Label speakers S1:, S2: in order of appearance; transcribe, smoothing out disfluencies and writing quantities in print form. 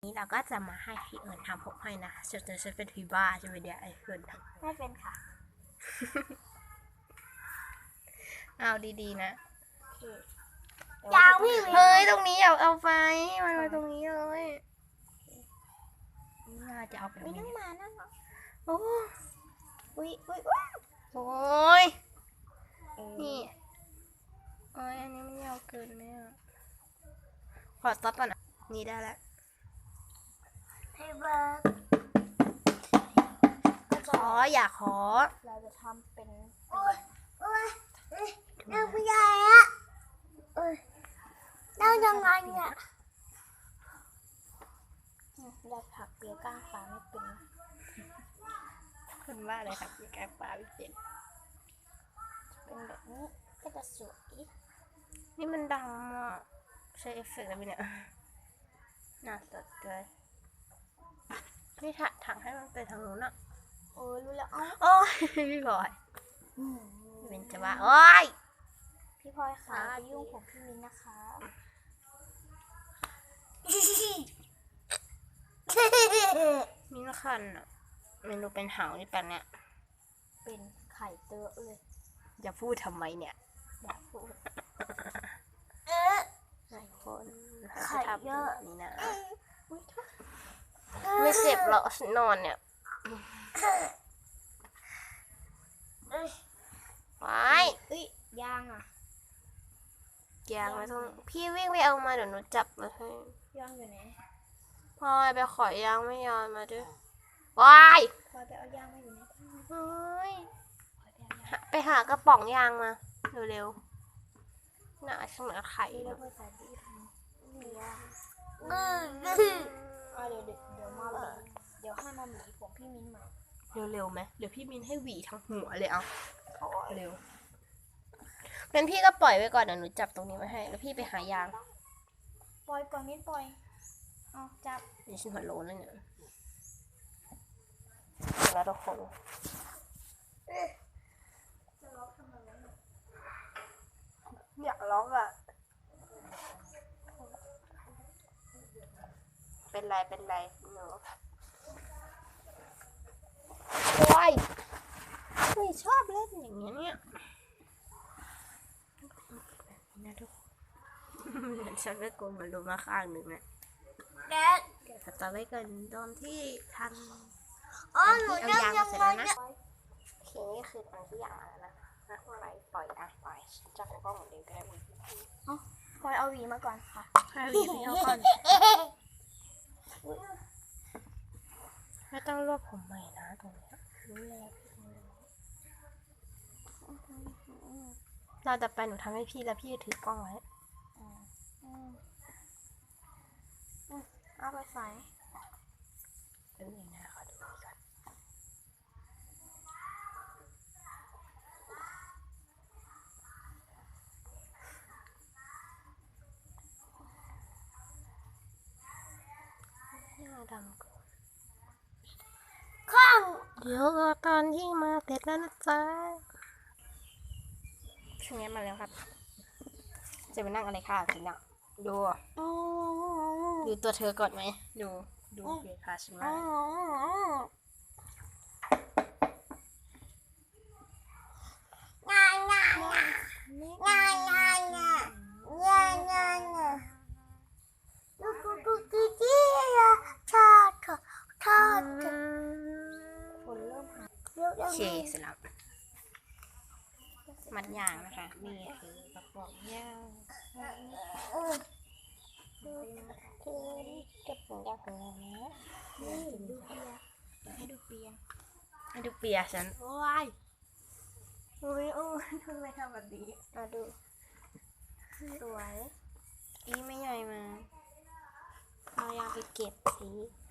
S1: นี้เราก็จะมาให้พี่เอิญทำผมให้นะฉันเป็นพี่บ้าใช่ไหมเดี๋ยวไอ้เอิญทำ
S2: ไม่เป็นค่ะ
S1: เอาดีๆนะ
S2: ยาวพี่
S1: เฮ้ยตรงนี้เอาไฟมันมาตรงนี้เลยน่าจะเอาแบบ
S2: ไม่
S1: นี้
S2: ต้องมานั่งหรอ
S1: โอ้
S2: อุ้ย
S1: โอ้ยนี่โอ้ยอันนี้มันยาวเกินไหมอ่ะขอสต็อปก่อนนะนี่ได้แล้ว
S2: ให้เบิร์ก
S1: อยากขอ
S2: เราจะทำเป็นนั่งไม่ได้อะนั่งยังไงเนี่ยเราผักเปียกก้างปลาไม่เป็น
S1: คุณว่าอะไรครับมีแกงปลาวิเศษ
S2: เป็นแบบนี้ก็จะสวย
S1: นี่มันดังอ่ะใช้เอฟเฟกต์อะไรเนี่ยน่าสดเลยนี่ถังให้มันไปทางนู้นอ่ะ
S2: โอ้ยรู้แล้ว
S1: โอ้ยพี่บอยเป็นจะว่าโอ้ย
S2: พี่พลอยค่ะยุ่งผมพี่มิ้นนะคะ
S1: มีนคันอ่ะเมนูเป็นหางนี่แปลเนี่ย
S2: เป็นไข่เตอะเลย
S1: อย่าพูดทำไมเนี่ย
S2: อยากพูด
S1: ไข่คน
S2: ไข่เยอะ
S1: นี่นะไม่เจ็บหรอกนอนเนี่ยว้าย
S2: ย่างอ่ะ
S1: ยางไม่ต้องพี่วิ่งไปเอามาเดี๋ยวหนูจับมาให้
S2: ย่างอยู่ไหน
S1: พลอยไปขอยางไม่ยอมมาด้วยว้าย
S2: พลอยไปเอาย่างมาอยู่ไหน
S1: เฮ้ยไปหากระป๋องยางมาเร็วๆน่าช่างเหมือนไข่
S2: เดี๋ยวใส่ดีเดี๋ยวมาหวีเดี๋ยวให้มาหวีผมพี่มิ้นมา
S1: เร็วๆไหมเดี๋ยวพี่มิ้นให้หวีทั้งหัวเลยเอาเร็วงั้นพี่ก็ปล่อยไว้ก่อนเดี๋ยวหนูจับตรงนี้ไว้ให้แล้วพี่ไปหายาง
S2: ปล่อยก่อนมิ้นปล่อยเอาจับ
S1: นี่ฉันหัวโล้นแล้วเนี่ยแล้วทุกคนอยากร้องอ่ะเป็นไรหนูโอ้ยไม่ชอบเล่นอย่างเงี้ยเนี่ยนะทุกคนฉันไม่โกงมันลงมาข้างหนึ่งนะ
S2: แดด
S1: ต่อไปกันตอนที่ทำ
S2: หนูยังเสร็จแล้วนะ
S1: ทีนี้คือตอนที่ยางแล้วนะปล่อยจับกล้องเหมือนเดิมก็ได้
S2: พลอยเอาหวีมาก่อนค่ะ
S1: ให้หวีพี่เอาก่อนไม่ต้องรวบผมใหม่นะตรงนี้รู้แล้วเราจะไปหนูทำให้พี่แล้วพี่ถือกล้องไว้
S2: เอาไปใส่
S1: เป็นยังไงขอดูก่อนดำก่อน
S2: ข้าง
S1: เดี๋ยวรอตอนที่มาเสร็จแล้วนะจ๊ะช่วงนี้มาแล้วครับจะไปนั่งอะไรค่ะจริงอ่ะดูตัวเธอก่อนไหมดูเบียร์ค่ะฉันว่าโอเคเสร็จแล้วมัดยางนะคะนี่คือกระป๋องยางเก็บของยางของเรานะ
S2: ให้ดูเปีย
S1: ฉันโอ้ยทำไมทำแบบนี้มาดู
S2: สวย
S1: อีไม่ใหญ่มาเอายางไปเก็บสิ